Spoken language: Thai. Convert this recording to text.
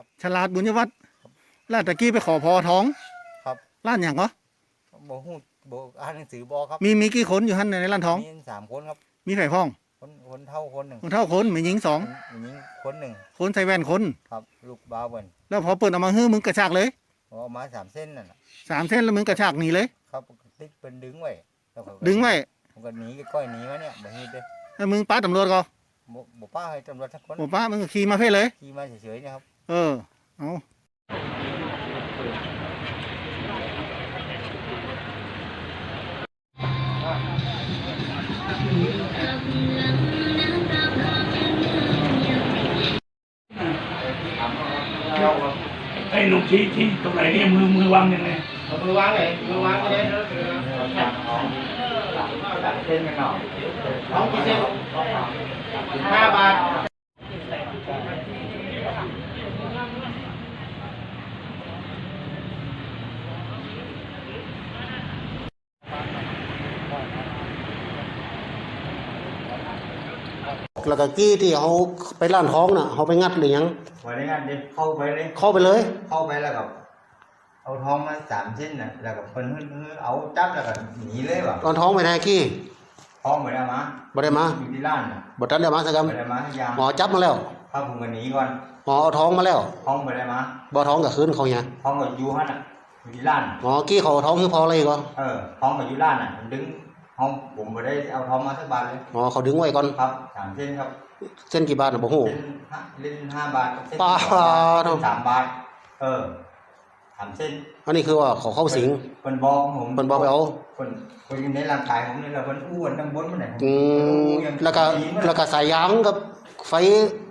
ฉลาดบุญยวัฒน์ร้านตะกี้ไปขอพอท้องครับร้านอย่างก็บ่ฮู้บ่อ่านหนังสือบ่ครับมีกี่คนอยู่หั่นในร้านท้องมี3คนครับมีไผ่พ้องคนเฒ่าคนหนึ่งคนเท่าคนมีหญิงสองผู้หญิงคนหนึ่งคนใส่แว่นคนครับลูกบ่าวเพิ่นแล้วพอเปิดออกมาฮื้อมึงกระชากเลยเอามา3เส้นนั่นน่ะ 3 เส้นแล้วมึงกระชากหนีเลยครับติ๊กเพิ่นดึงไว้แล้วเขาก็ดึงไว้ผมก็หนีก้อยหนีมาเนี่ยบ่เฮ็ดเด้แล้วมึงป้าตำรวจก็บ่ป้าให้ตำรวจสักคนบอกป้ามึงก็ขี่มาเพ่เลยขี่มาเฉยๆนะครับเออเอาไอ้ลูกชี้ตรงไหนเนี่ยมือวางยังไงมือวางเลยมือวางเลยเส้นกันหน่อยท้องกี่เส้น5 บาทแล้วก็กี้ที่เขาไปร้านท้องน่ะเขาไปงัดหรือยังวันนี้งานเด็กเข้าไปเลยเข้าไปเลยเข้าไปแล้วก็เอาทองมา3เส้นน่ะแล้วก็เพิ่นเอาจับแล้วก็หนีเลยว่ะตอนท้องไปแท้กี้ทองบ่ได้มาบ่ได้มาอยู่ที่ร้านน่ะบ่ทันได้มาสักคบ่ได้มาให้ยาำหมอจับมาแล้วถ้าผมก็หนีก่อนหมอเอาท้องมาแล้วทองบ่ได้มาบ่ท้องกับคืนเขาเนี่ยทองก็อยู่หั่นน่ะอยู่ที่ร้านหมอกี้เขาเอาท้องคือพออะไรก็ทองก็อยู่ร้านน่ะผมดึงห้องผมบ่ได้เอาทองมาสักบาทเลยหมอเขาดึงไว้ก่อนครับ3เส้นครับเส้นกี่บาทน่ะบ่ฮู้เล่น5 บาทกับเส้นป้า 3 บาท3เส้นอันนี้คือว่าเขาเข้าสิงเพิ่นบอกผมเพิ่นบอกไปเอาเพิ่นอยู่ในร่างกายผมนี่แหละเพิ่นอ้วนทั้งบนมันไหนแล้วก็สายยางกับไฟ